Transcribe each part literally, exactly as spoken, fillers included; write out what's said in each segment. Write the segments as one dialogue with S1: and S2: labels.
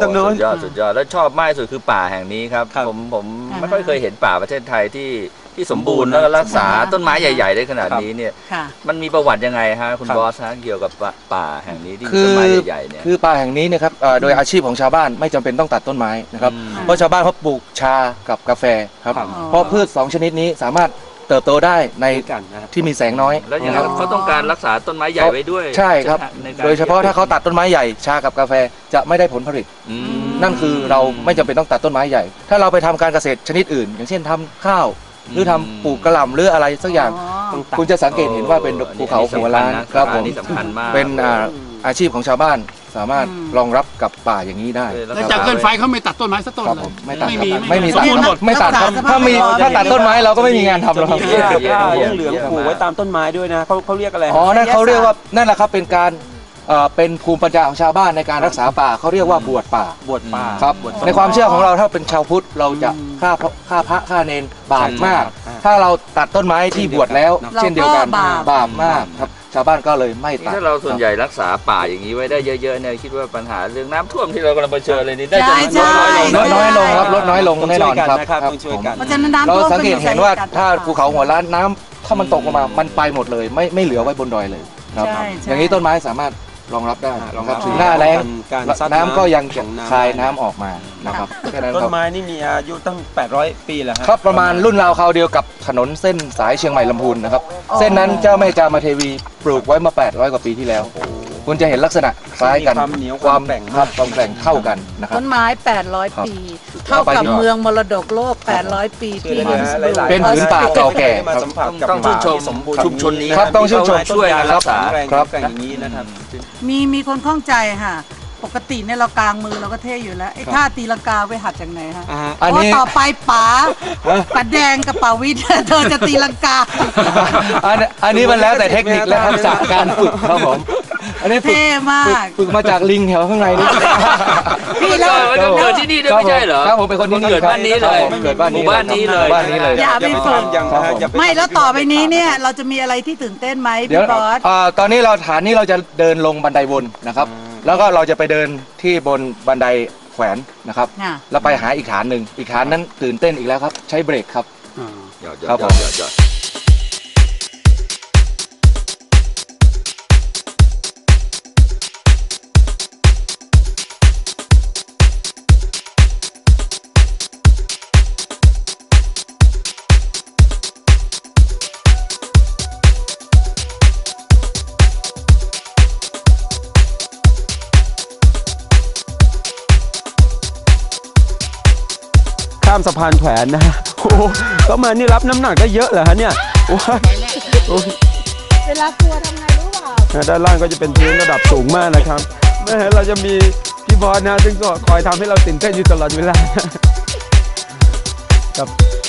S1: ตรงโน้น
S2: สุดยอดสุดยอดแล้วชอบมากสุดคือป่าแห่งนี้ครับผมผมไม่ค่อยเคยเห็นป่าประเทศไทยที่ที่สมบูรณ์แล้วก็รักษาต้นไม้ใหญ่ๆได้ขนาดนี้เนี่ยมันมีประวัติยังไงฮะคุณบอสฮะเกี่ยวกับป่าแห่งนี้ที่ต้นไม้ใหญ่ๆเนี่ย
S3: คือป่าแห่งนี้นะครับโดยอาชีพของชาวบ้านไม่จำเป็นต้องตัดต้นไม้นะครับเพราะชาวบ้านเขาปลูกชากับกาแฟครับเพราะพืชสองชนิดนี้สามารถเติบโตได้ในที่มีแสงน้อย
S2: แล้วอย่างนั้นเขาต้องการรักษาต้นไม้ใหญ่ไว้ด้วย
S3: ใช่ครับโดยเฉพาะถ้าเขาตัดต้นไม้ใหญ่ชากับกาแฟจะไม่ได้ผลผลิตนั่นคือเราไม่จำเป็นต้องตัดต้นไม้ใหญ่ถ้าเราไปทำการเกษตรชนิดอื่นอย่างเช่นทำข้าวหรือทำปลูกกระหล่ำหรืออะไรสักอย่างคุณจะสังเกตเห็นว่าเป็นภูเขาหัวล้านครับผมเป็นอาชีพของชาวบ้านสามารถรองรับกับป่าอย่างนี้ได้
S1: แล้วจากเกินไฟเขาไม่ตัดต้นไม้สักต้นเลย
S3: ไม่ตัดไม่มีตัดไม่ตัดครับถ้ามีถ้าตัดต้นไม้เราก็ไม่มีงานทำแล้วครับ
S4: เหลืองๆปลูกไว้ตามต้นไม้ด้วยนะเขาเขาเรียกอะไร
S3: อ๋อนั่นเขาเรียกว่านั่นแหละครับเป็นการเป็นภูมิปัญญาของชาวบ้านในการรักษาป่าเขาเรียกว่าบวชป่า
S4: บวชป่า
S3: ครับในความเชื่อของเราถ้าเป็นชาวพุทธเราจะฆ่าฆ่าพระฆ่าเนรบาปมากถ้าเราตัดต้นไม้ที่บวชแล้วเช่นเดียวกันบาปมากครับชาวบ้านก็เลยไม่ตัด
S2: ถ้าเราส่วนใหญ่รักษาป่าอย่างนี้ไว้ได้เยอะๆเนี่ยคิดว่าปัญหาเรื่องน้ำท่วมที่เรากำลังเผชิญเลยนี่ได้จะลดน้อยลง
S3: ลดน้อยลงครับลดน้อยลงแน่นอนครับเราสังเกตเห็นว่าถ้าภูเขาหัวล้านน้ำถ้ามันตกลงมามันไปหมดเลยไม่ไม่เหลือไว้บนดอยเลยครับอย่างนี้ต้นไม้สามารถรองรับได้นะครับถึงหน้าแล้งน้ำก็ยังคายน้ำออกมานะครับ
S4: ต้นไม้นี่มีอายุตั้งแปดร้อยปีแล้ว
S3: ครับประมาณรุ่นราวคราวเดียวกับถนนเส้นสายเชียงใหม่ลำพูนนะครับเส้นนั้นเจ้าแม่จามเทวีปลูกไว้มาแปดร้อยกว่าปีที่แล้วคุณจะเห็นลักษณะคล้ายกัน
S4: ความแบ่ง
S3: ครับความแบ่งเท่ากันนะครับ
S5: ต้นไม้แปดร้อยปีเท่ากับเมืองมรดกโลกแปดร้อยปีที่
S3: เป็นผืนป่าเก่าแก่
S2: ต้องชื่นชมชุมชนนี้
S3: ครับต้องชื่นชม
S2: ช่วยรักษา
S4: ครับอย่างนี้นะครับ
S5: มีมีคนข้องใจค่ะปกติเนี่ยเรากลางมือเราก็เท่อยู่แล้วไอ้ท่าตีลังกาไปหัดจากไหนฮะเพราะต่อไปป๋าป๋าแดงกับป๋าวิทย์เธอจะตีลังกา
S3: อันนี้มันแล้วแต่เทคนิคและทักษะการฝึกครับผมอันนี้
S5: เท่มาก
S3: ฝึกมาจากลิงแถวข้างในนี่
S2: พี่เราเกิดที่นี่ด้วยไม่ใช่เหรอ
S3: ครับผมเป็นคนที่
S2: เกิดบ้านนี้เลย
S3: เกิดบ้านนี้
S2: บ้านนี้เลย
S3: บ้านนี้เลย
S5: อย่าไปฝึกไม่แล้วต่อไปนี้เนี่ยเราจะมีอะไรที่ตื่นเต้นไหมพี่บอส
S3: ตอนนี้เราฐานนี้เราจะเดินลงบันไดวนนะครับแล้วก็เราจะไปเดินที่บนบันไดแขวนนะครับแล้วไปหาอีกฐานหนึ่งอีกฐานนั้นตื่นเต้นอีกแล้วครับใช้เบรกครับ
S2: ครับผม
S4: ข้ามสะพานแขวนนะโอ้ก็มานี่รับน้ำหนักได้เยอะเหรอฮะเนี่ย
S5: เวลากลัวทำไงรู้เปล่า
S4: ด้านล่างก็จะเป็นพื้นระดับสูงมากนะครับแม้เราจะมีพี่บอสนะซึ่งก็คอยทำให้เราตื่นเต้นอยู่ตลอดเวลาครับ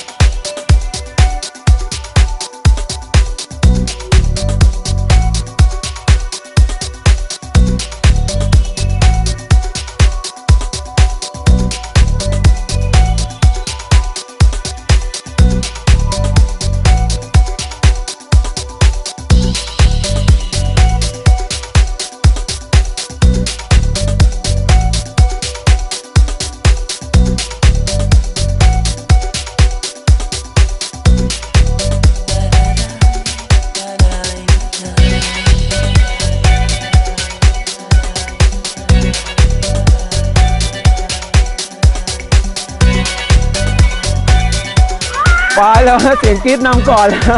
S4: ไปแล้วเสียงกรี๊ดนำก่อนแล้ว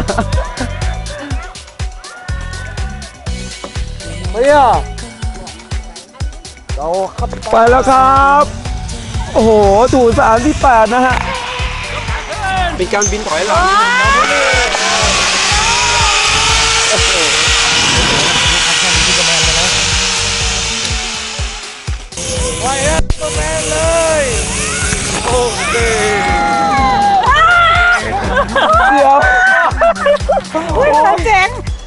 S3: เฮ้ยเรา
S4: ไปแล้วครับโอ้โหถูสามที่แปดนะฮะเป็นการบินถอยหลัง
S3: ไปแล้วตัวแมนเลยโอเค
S5: เดี๋ยวอุ้ยเจ๋ง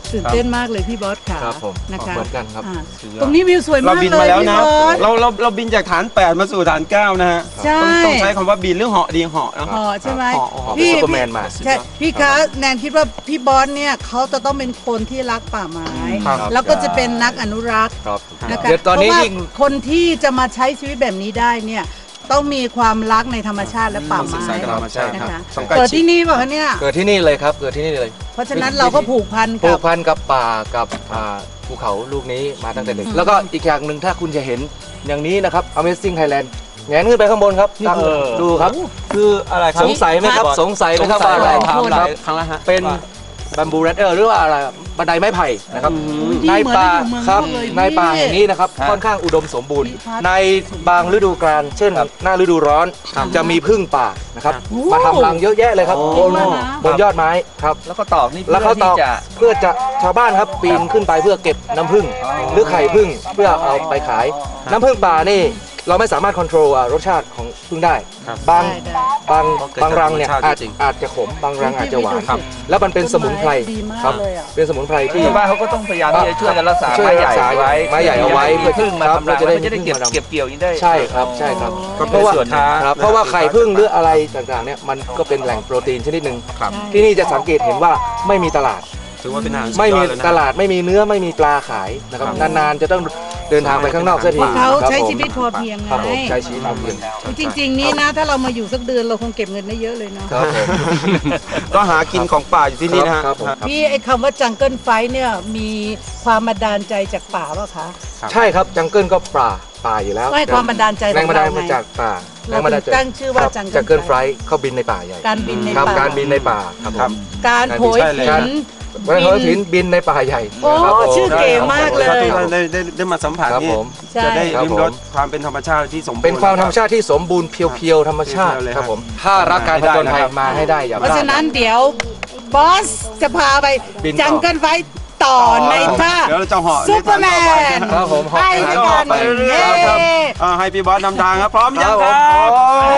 S5: ตื่นเต้นมากเลยพี่บอสค่ะ
S3: ครับผม
S5: นะคะ
S3: เหมือนกันครับ
S5: อ่าตรงนี้วิวสวย
S4: เรา
S5: มาก
S4: บิน
S5: เล
S4: มายแล้ว
S5: พี่
S4: นะ
S5: บอส
S4: เราเราเราบินจากฐานแปดมาสู่ฐานเก้านะฮะ
S5: ใช่
S4: ต้องต้องใช้คำว่าบินหรือเหาะดีเหาะนะ
S5: อ๋อใช่ไหม
S4: เหาะเหาะ
S5: พี่
S3: ซูเปอร์แมนมา
S5: ใช่พี่คะแนนคิดว่าพี่บอสเนี่ยเขาจะต้องเป็นคนที่รักป่าไม้
S3: ครับ
S5: แล้วก็จะเป็นนักอนุรักษ์
S3: ครับ
S5: นะคะ
S3: เดี๋ยวตอนนี้
S5: เพราะว่า
S3: ยิ่ง
S5: คนที่จะมาใช้ชีวิตแบบนี้ได้เนี่ยต้องมีความรักในธรรมชาติและป่า
S4: ศึก
S5: ไม้
S4: ษากับธรรมชาติ
S5: นะ
S4: ครั
S5: คะ
S4: บต้องใกล้
S5: เกิด
S4: ชิด
S5: ที่นี่ป่ะคะเนี่ย
S3: เกิดที่นี่เลยครับเกิดที่นี่เลย
S5: เพราะฉะนั้นเราก็ผูกพัน
S3: ผู
S5: กับ
S3: กพันกับป่ากับอ่าภูเขาลูกนี้มาตั้งแต่เด็กแล้วก็อีกอย่างหนึ่งถ้าคุณจะเห็นอย่างนี้นะครับ Amazing Thailand แงนขึ้นไปข้างบนครับตั้ง
S4: เออ
S3: ดูครับ
S4: คืออะไรครับ
S3: สงสัยไหมครับสงสัยไหมครับว่าอะไร
S4: ถามหลา
S3: ครั
S4: ย
S3: บ
S4: ครั้งแล้วฮะ
S3: เป็นบัมบูแรดเดอร์หรือว่าอะไรบันไดไม้ไผ่นะครับ
S5: ที่
S3: ใน
S5: เหมือน
S3: ป่า
S5: อยู่เมือง
S3: ครับ
S5: นอกเลย
S3: ในป่าแห่งนี้นะครับ
S4: ครับ
S3: ค่อนข้างอุดมสมบูรณ์
S5: มีพัด
S3: ในบางฤดูกาลเช่น หน้าฤดูร้อนจะมีผึ้งป่านะครับ
S5: โอ้
S3: มาทำรังเยอะแยะเลยครับ
S4: โอ้
S3: บนบนยอดไม้ครับ
S2: แล้วก็ตอกนี่
S3: แล้วเขาต
S2: เพื่
S3: อ
S2: อก ที่จะ
S3: เพื่อจะชาวบ้านครับปีนขึ้นไปเพื่อเก็บน้ำผึ้งหรือไข่ผึ้งเพื่อเอาไปขาย น้ำผึ้งป่านี่เราไม่สามารถควบคุมรสชาติของผึ้งได้
S4: ครับ
S3: บาง
S5: ได้ได้
S3: บาง
S4: เพราะเกิด
S3: บางรังเนี่ย
S4: จากธรรมชาติ
S3: อาจ
S4: จริง
S3: อาจจะขมบางรังอาจจะหวาน
S5: ครับ
S3: แล้วมันเป็นสมุนไพร
S5: ดีมาก
S3: ครับ
S5: เลยอะ
S3: เป็นสมุนไพรที่
S2: ชาวบ้านเขาก็ต้องพยายามที่จะช่วยกันรักษา
S3: ช่วย
S2: ไม้ใหญ่
S3: รักษา
S2: ไว้
S3: ไม้ใหญ่เอาไว้
S2: เพื่อพึ่งมา
S3: ครับ
S2: ทำลาย
S3: เราจะได้
S2: มันจะได้เก็บ
S3: พึ่งมาทำ
S2: เก็บเกี่ยวอย่างนี้ได้
S3: ใช่ครับใช่ครับ
S4: ก็
S3: เพ
S4: เป็น
S3: ราะว่า
S4: ส่วนค้า
S3: ครับเพราะว่าไข่ผึ้งหรืออะไรต่างๆเนี่ยมันก็เป็นแหล่งโปรตีนชนิดหนึ่ง
S4: ครับ
S3: ที่นี่จะสังเกตเห็นว่าไม่มีตลาด
S4: ถือว่าเป็นอาหารสุด
S3: ไม่
S4: ยอ
S3: มี
S4: ดเลยนะ
S3: ตลาดไม่มีเนื้อไม่มีปลาขายนะครับ
S4: ครับ
S3: นานๆจะต้องเดินทางไปข้างนอกเสียที
S5: เพราะเขา
S3: ครับ
S5: ใช้
S3: ผม
S5: ชีวิตพอเพียงไง
S3: ครับผมใช้ชีวิตพอเพียง
S5: จริง ๆ นี่นะถ้าเรามาอยู่สักเดือนเราคงเก็บเงินได้เยอะเลยเนาะ
S3: ครับผม
S4: ก็หากินของป่าอยู่ที่นี่นะฮะ
S3: ครับผม
S5: พี่ไอ้คำว่าจังเกิลไฟเนี่ยมีความบันดาลใจจากป่าเปล่ะคะ
S3: ใช่ครับจังเกิลก็ป่าป่าอยู่แล้ว
S5: ไม่ความบันดาลใจ
S3: แรงบันดาล
S5: ของเรา
S3: มา
S5: ไง
S3: จากป่า
S5: เรา
S3: แรงบันดาลใจ
S5: ถึงตั้งชื่อว่า
S3: ครับ
S5: Jungle
S3: จังเกิลไฟ
S5: Flight
S3: เขาบินในป่าใหญ่
S5: การบินใน
S3: ครับ
S5: ป่า
S3: การบินในป่าครับผม
S5: การโหย
S4: ใช่เลย
S5: หิน
S3: วันเขาถินบินในป่าใหญ่
S5: โอ้
S3: ครับผม
S5: ชื่อเก๋มากเลย
S4: ถ้าทุกท่านได้ได้ได้มาสัมผัส
S3: ครับ
S4: นี่
S3: ผม
S5: ใช่
S4: จะได้
S3: ครับ
S4: ริมรสความเป็นธรรมชาติที่สมบูรณ์
S3: เป็นความธรรมชาติที่สมบูรณ์เพียวๆธรรมชาติ
S4: เพียวๆเลย
S3: ครับ
S4: ครับ
S3: ผมถ้ารักการผจญภัยมาให้ได้อย่าพ
S5: เพราะ
S3: ลาด
S5: ฉะนั้นเดี๋ยวบอสจะพาไป
S3: บินต่อ
S5: จังเกิลไฟต่อในท่า
S4: เดี๋ยวเราจะเหาะ
S5: ซูเปอร์แมน
S3: ครับผม
S5: ไปด้วยกัน
S4: ไปเรื่อยๆครับอ่าให้พี่บอสนำทางครับพร้อมยังครับ
S3: ครับผม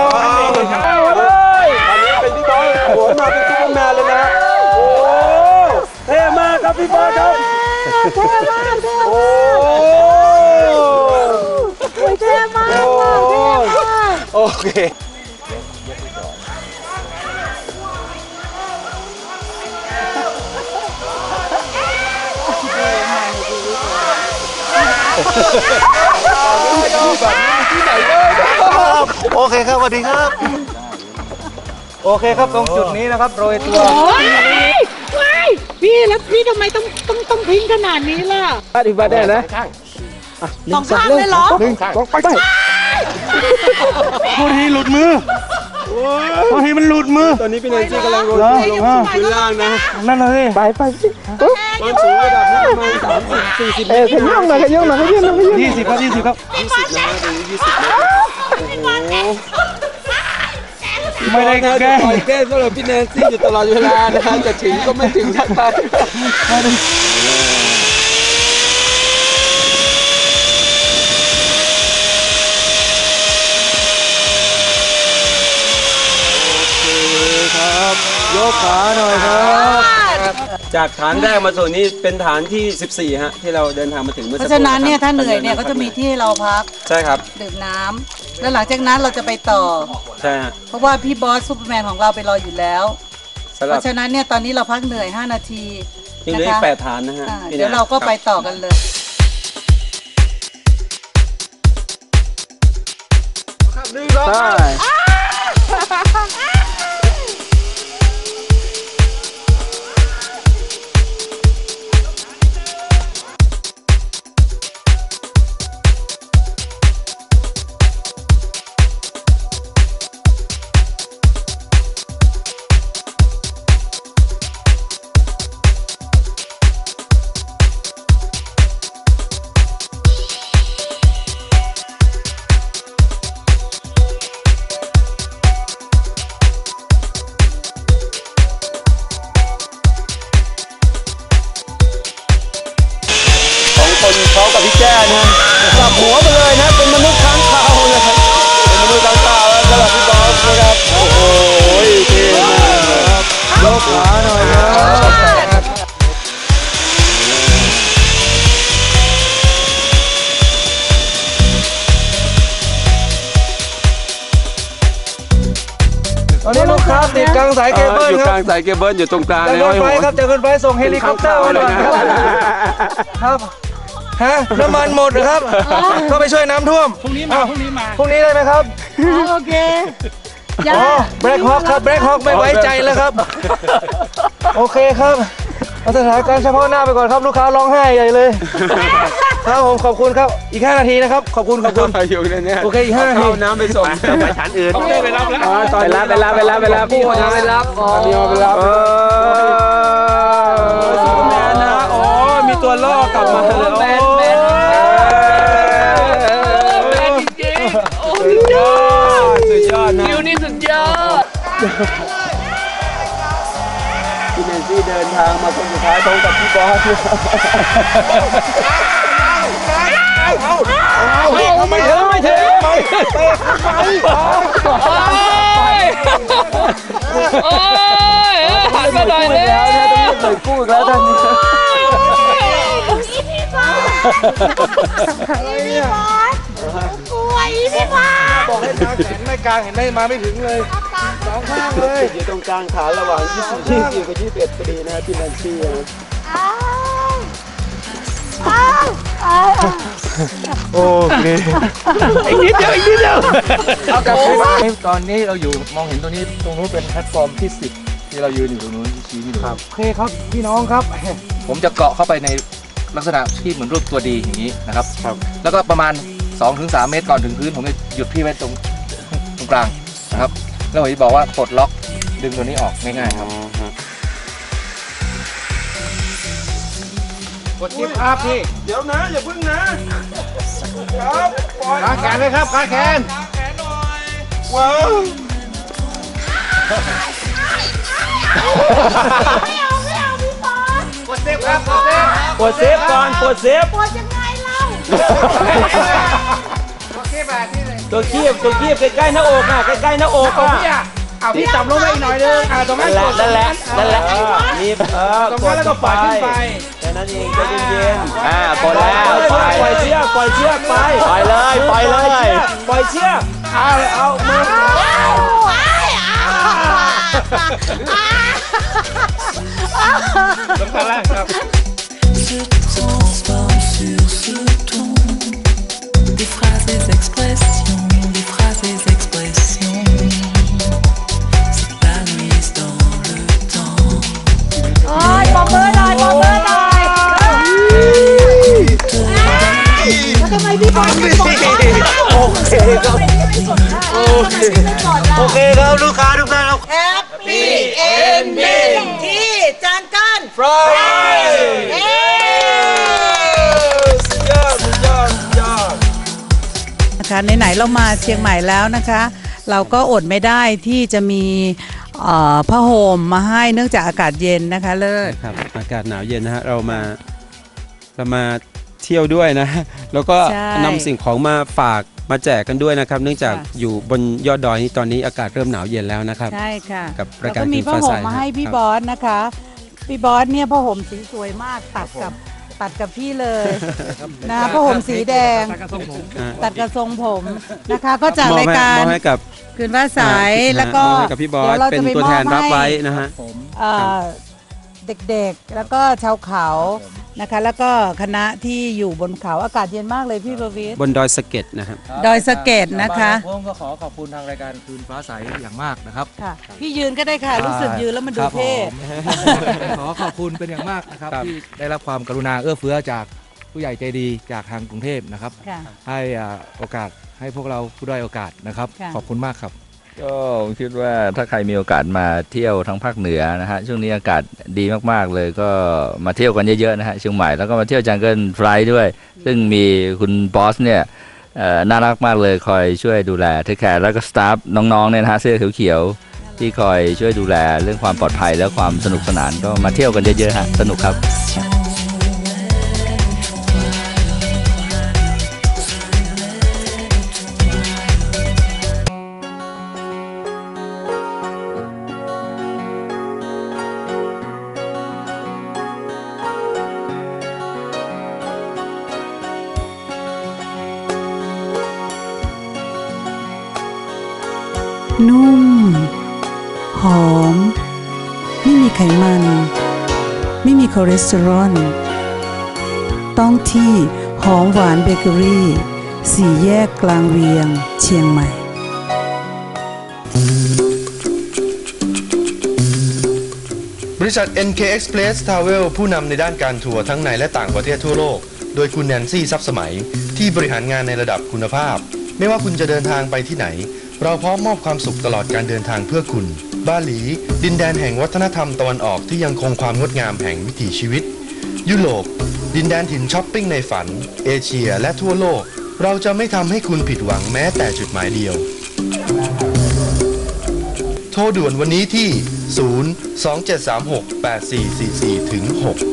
S4: อันนี้เป็นพี่บอสโหนมาเป็นซูเปอร์แมนเลยนะโอ้เท่มากครับพี่บอสครับ
S5: เท่มากเท่
S4: โอ้
S5: เท่มากเท่มาก
S3: โอเคโอเคครับสวัสดีครับ โอเคครับตรงจุดนี้นะครับโรยตัว
S5: ว้ายพี่แล้วพี่ทำไมต้องต้องต้องทิ้งขนาดนี้ล่ะ
S4: อธิบายได้นะ
S5: สองข้างเลยเหรอ
S4: หนึ่งสองไปไปพูดทีหลุดมือพูดทีมันหลุดมือ ตอนนี้พี่แนนซี่กำลังโรยตัวลงพื้นล่างนะ
S6: นั่นเลยไปไป
S4: ความสูงระดับนี้ประมาณสามสิบสี่สิบเม
S6: เออ
S4: ตร
S6: ขย่องหน่อยขย่องหน่อยขย่องหน่อยขย่อง
S3: ยี่สิบครับยี่สิบครับ
S4: ยี่สิบนะตรงนี้ยี่สิบเมตรโอ้โห
S6: ไม่ได้แกล้ง
S4: คอยแก้สำหรับพี่แนนซี่อยู่ตลอดเวลานะฮะจะถึงก็ไม่ถึงสักทียกขาหน่อยครับ จากฐานแรกมาสู่นี้เป็นฐานที่สิบสี่ฮะที่เราเดินทางมาถึงเมื่อ
S5: เพ
S4: สัก
S5: ราะ
S4: ครู่
S5: ฉะนั้นเนี่ย
S4: ค
S5: ถ้า
S4: บ
S5: เหนื่อยเนี่ยก็จะมีที่ให้เราพัก
S4: ใช่ครับ
S5: ดื่มน้ำแล้วหลังจากนั้นเราจะไปต่อ
S4: ใช่ฮะ
S5: เพราะว่าพี่บอสซูเปอร์แมนของเราไปรออยู่แล้ว
S4: สำห
S5: เพ
S4: รับ
S5: ราะฉะนั้นเนี่ยตอนนี้เราพักเหนื่อยห้านาที
S4: ยังเหลือ
S5: นะ
S4: อี
S5: คะ
S4: กแปดฐานนะฮะ
S5: อ่า
S4: พี่แนน
S5: เดี๋ยวเราก็ไป
S4: คบ
S5: ต่อกันเลย
S4: ใช่
S3: อนนี้ลูกค้าติดกลางสายเคเบิล
S4: อยู่
S3: ค
S4: ก
S3: รั
S4: ลา
S3: บ
S4: งสายเคเบิลอยู่ตรงกลาง
S3: จะ
S4: ใน
S3: ขึ้
S4: ห้อน ย
S3: ไป
S4: หัว
S3: ครับจะขึ้นไปส่งเฮลิคอปเตอร์มาหน่อยครับครับฮะน้ำมันหมดครับก็ไปช่วยน้ำท่วม
S1: พรุ่งนี้มาพรุ่งนี้มา
S3: พรุ่งนี้ได้ไหมครับ
S5: โอเค
S3: อ๋อแบล็คฮอคครับแบล็คฮอคไม่ไว้ใจแล้วครับโอเคครับเอาสถานการณ์เฉพาะหน้าไปก่อนครับลูกค้าร้องไห้ใหญ่เลยครับผมขอบคุณครับอีกห้านาทีนะครับขอบคุณขอบคุณ
S4: อยู่ในนี้
S3: โอเคอีกห้านาที
S4: เอาน้ำไปส่ง
S2: ไปฐานอื่น
S1: ไปรับแล้ว
S4: ไปรับไปรับไปรับไปรับพี่คนไปรับอ๋อพี่ไปรับเออซูเปอร์แมนนะอ๋อมีตัวล่อกลับมาเลยแมนแมนแมนจริงๆโอ้สุดยอดสุดยอดนะคิวนี่สุดยอดพี่เนซี่เดินทางมาคนสุดท้ายตรงกับพี่บอสไม่ถึงไม่ถึงไปไปโอ้ยหันมาหน่อยเลยต้องเปิดกู้อีกแล้วท่านนี้
S7: พี่บอสพี่บอสกลัวอีพี่บอส
S3: บอกให้กางแขนไม่กางเห็นไหมมาไม่ถึงเลยสองข้างเลย
S4: อยู่ตรงกลางขาระหว่างยี่สิบยี่สิบกับยี่สิบเอ็ดพอดีนะพี่แนนซี่นะ
S3: โอเคอีกนิดเดียวอีกนิดเดียวเอากลับไปตอนนี้เราอยู่มองเห็นตรงนี้ตรงนู้นเป็นแพลตฟอร์มที่สิบที่เรายืนอยู่ตรงนู้นชี้ที่ดูโอเคครับพี่น้องครับผมจะเกาะเข้าไปในลักษณะที่เหมือนรูปตัวดีอย่างนี้นะครับแล้วก็ประมาณ สองถึงสาม เมตรก่อนถึงพื้นผมจะหยุดพี่ไว้ตรงตรงกลางนะครับแล้วผมจะบอกว่าปลดล็อกดึงตัวนี้ออกง่ายๆครับกดชิปครับพี่
S4: เดี๋ยวนะอย่าพึ่งนะครับปล่อย
S1: กางแขนเลยครับกางแขน
S4: กางแขนหน่อยว้าว
S7: ไม่เอาไม่เอาพี่บอส
S1: กดเซฟครับกดเซฟ
S4: กดเซฟก่อนกดเซฟ
S7: ปวดยังไงเล่า
S1: โอเคแบบนี้เลย
S4: ตัวคีบตัวคีบใกล้ๆหน้าอกอ่ะใกล้ๆหน้าอก
S1: เอา
S4: อ่ะ
S1: พี่อ่ะเอาพี่จับลงไปอีกหน่อยนึงอ่าตรงนั้
S4: นั่
S1: น
S4: นแหละนั่นแหละนั่นแหละนี่เออ
S1: ตรง
S4: ก
S1: นั้
S4: ด
S1: นแล้ว
S4: เข้า
S1: ก็
S4: ไป
S1: ปล่อยขึ้นไป
S4: แค่นั้นเองใจเย็นๆ
S2: อ่ากดแล้ว
S4: ปล่อยเชือกปล่อยเชือกไป
S2: ปล่อยเลยปล่อยเลย
S4: ปล่อยเชือกเอาเอามือ
S1: ตรงนั้นแหละครับ
S8: se transforme sur ce ton. Des phrases, des expressions, des phrases, des expressions s'épanouissent dans le temps.
S7: โอ้ยปอบมือหน่อยปอบมือหน่อยแล้วทำไมพี่บอลไม่กดได้โอเคครับโอเคโอเค
S3: ครับลูกค้าทุกท่านครับ
S5: แฮปปี้เอนดิ้งที่จานกัน
S3: ฟรายสุดยอดสุดยอดสุดยอด
S5: นะคะไหนๆเรามาเชียงใหม่แล้วนะคะ เราก็อดไม่ได้ที่จะมีเอ่อผ้าห่มมาให้เนื่องจากอากาศเย็นนะคะเลิศ
S9: ครับอากาศหนาวเย็นนะฮะเรามาเรามาเที่ยวด้วยนะแล้วก็
S5: ใช่
S9: นำสิ่งของมาฝากมาแจกกันด้วยนะครับ เนื่องจาก
S5: ค่ะ
S9: อยู่บนยอดดอยนี้ตอนนี้อากาศเริ่มหนาวเย็นแล้วนะครับ
S5: ใช่ค่ะ
S9: กับ
S5: แล้
S9: ราย
S5: ว
S9: การ
S5: ก็มี
S9: กิน
S5: ผ้า
S9: ฟ้า
S5: ห่
S9: ใส
S5: มมาให้พี่
S9: ครับ
S5: บอสนะคะพี่บอสเนี่ยผ้าห่มสีสวยมากตัดกับตัดกับพี่เลยนะผ้าห่มสีแดง
S9: อ่า
S5: ตัดกระทรงผมนะคะก็จาก
S9: มอบ
S5: ราย
S9: ให้
S5: การ
S9: มอบให้กับ
S5: คืนว่าสาย
S9: อ่า
S5: แล้วก็
S9: มอบให้กับพี่บอส
S5: ดี๋ยรา
S9: เป็น
S5: จะไ
S9: ตัวแทนรับไว้
S5: มอบให้
S9: นะฮะ
S5: เอ่อเด็กๆแล้วก็ชาวเขานะคะ แล้วก็คณะที่อยู่บนเขาอากาศเย็นมากเลยพี่ประวิตร
S9: บนดอยสะเก็ดนะครับ
S5: ดอยสะเก็ดนะคะ
S3: ผมก็ขอขอบคุณทางรายการคืนฟ้าใสอย่างมากนะครับ
S5: ค่ะพี่ยืนก็ได้ค่ะ รู้สึกยืนแล้วมันดูเท่
S3: ขอขอบคุณเป็นอย่างมากนะครับ
S9: ครับ
S3: ที่ได้รับความกรุณาเอื้อเฟื้อจากผู้ใหญ่ใจดีจากทางกรุงเทพนะครับ
S5: ค่ะ
S3: ให้อ่าโอกาสให้พวกเราผู้ด้อยโอกาสนะครับ
S5: ค่ะ
S3: ขอบคุณมากครับ
S2: ก็ผมคิดว่าถ้าใครมีโอกาสมาเที่ยวทั้งภาคเหนือนะฮะช่วงนี้อากาศดีมากๆเลยก็มาเที่ยวกันเยอะๆนะฮะเชียงใหม่แล้วก็มาเที่ยวจังเกิลไฟล์ด้วย ซึ่งมีคุณบอสเนี่ยเอ่อน่ารักมากเลยคอยช่วยดูแลเทคแคร์แล้วก็สตาฟน้องๆเนี่ยนะฮะเสื้อเขียวๆที่คอยช่วยดูแลเรื่องความปลอดภัยและความสนุกสนานก็มาเที่ยวกันเยอะๆฮะสนุกครับ
S5: นุ่มหอมไม่มีไขมันไม่มีคอเลสเตอรอลต้องที่หอมหวานเบเกอรี่สี่แยกกลางเวียงเชียงใหม่
S10: บริษัท เอ็น เค Express Travel ผู้นำในด้านการทัวร์ทั้งในและต่างประเทศทั่วโลกโดยคุณแนนซี่ทรัพย์สมัยที่บริหารงานในระดับคุณภาพไม่ว่าคุณจะเดินทางไปที่ไหนเราพร้อมมอบความสุขตลอดการเดินทางเพื่อคุณบาหลีดินแดนแห่งวัฒนธรรมตะวันออกที่ยังคงความงดงามแห่งวิถีชีวิตยุโรปดินแดนถิ่นช้อปปิ้งในฝันเอเชียและทั่วโลกเราจะไม่ทำให้คุณผิดหวังแม้แต่จุดหมายเดียวโทรด่วนวันนี้ที่ศูนย์ สอง เจ็ด สาม หก แปด สี่ สี่ สี่ ถึง หก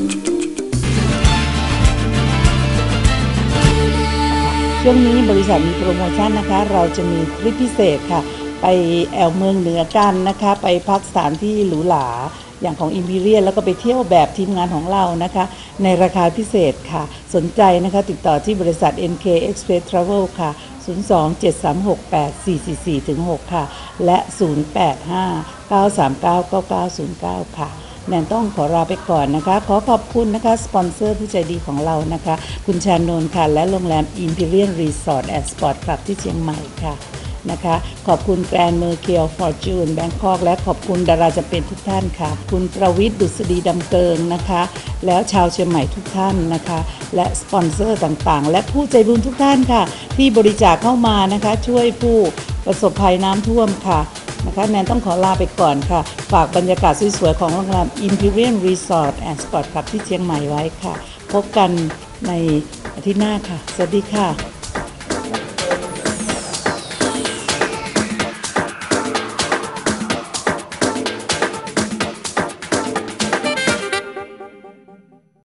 S5: ช่วงนี้บริษัทมีโปรโมชั่นนะคะเราจะมีทริปพิเศษค่ะไปแอวเมืองเหนือกันนะคะไปพักสถานที่หรูหราอย่างของ Imperial แล้วก็ไปเที่ยวแบบทีมงานของเรานะคะในราคาพิเศษค่ะสนใจนะคะติดต่อที่บริษัท เอ็น เค Express Travel ค่ะศูนย์ สอง เจ็ด สาม หก แปด สี่ สี่ สี่ ถึง หกค่ะและศูนย์ แปด ห้า เก้า สาม เก้า เก้า เก้า ศูนย์ เก้าค่ะแนนต้องขอลาไปก่อนนะคะขอขอบคุณนะคะสปอนเซอร์ผู้ใจดีของเรานะคะคุณชานนท์ค่ะและโรงแรม Imperial Resort and Sport Club ที่เชียงใหม่ค่ะนะคะขอบคุณแกรนด์เมอร์เคียวฟอร์จูนแบงคอกและขอบคุณดาราจำเป็นทุกท่านค่ะคุณประวิทย์ดุษฎีดำเกิงนะคะแล้วชาวเชียงใหม่ทุกท่านนะคะและสปอนเซอร์ต่างๆและผู้ใจบุญทุกท่านค่ะที่บริจาคเข้ามานะคะช่วยผู้ประสบภัยน้ำท่วมค่ะนะคะแนนต้องขอลาไปก่อนค่ะฝากบรรยากาศสวยๆของโรงแรม Imperial Resort and Sport Club ที่เชียงใหม่ไว้ค่ะพบกันในอาทิตย์หน้าค่ะสวัสดีค่ะ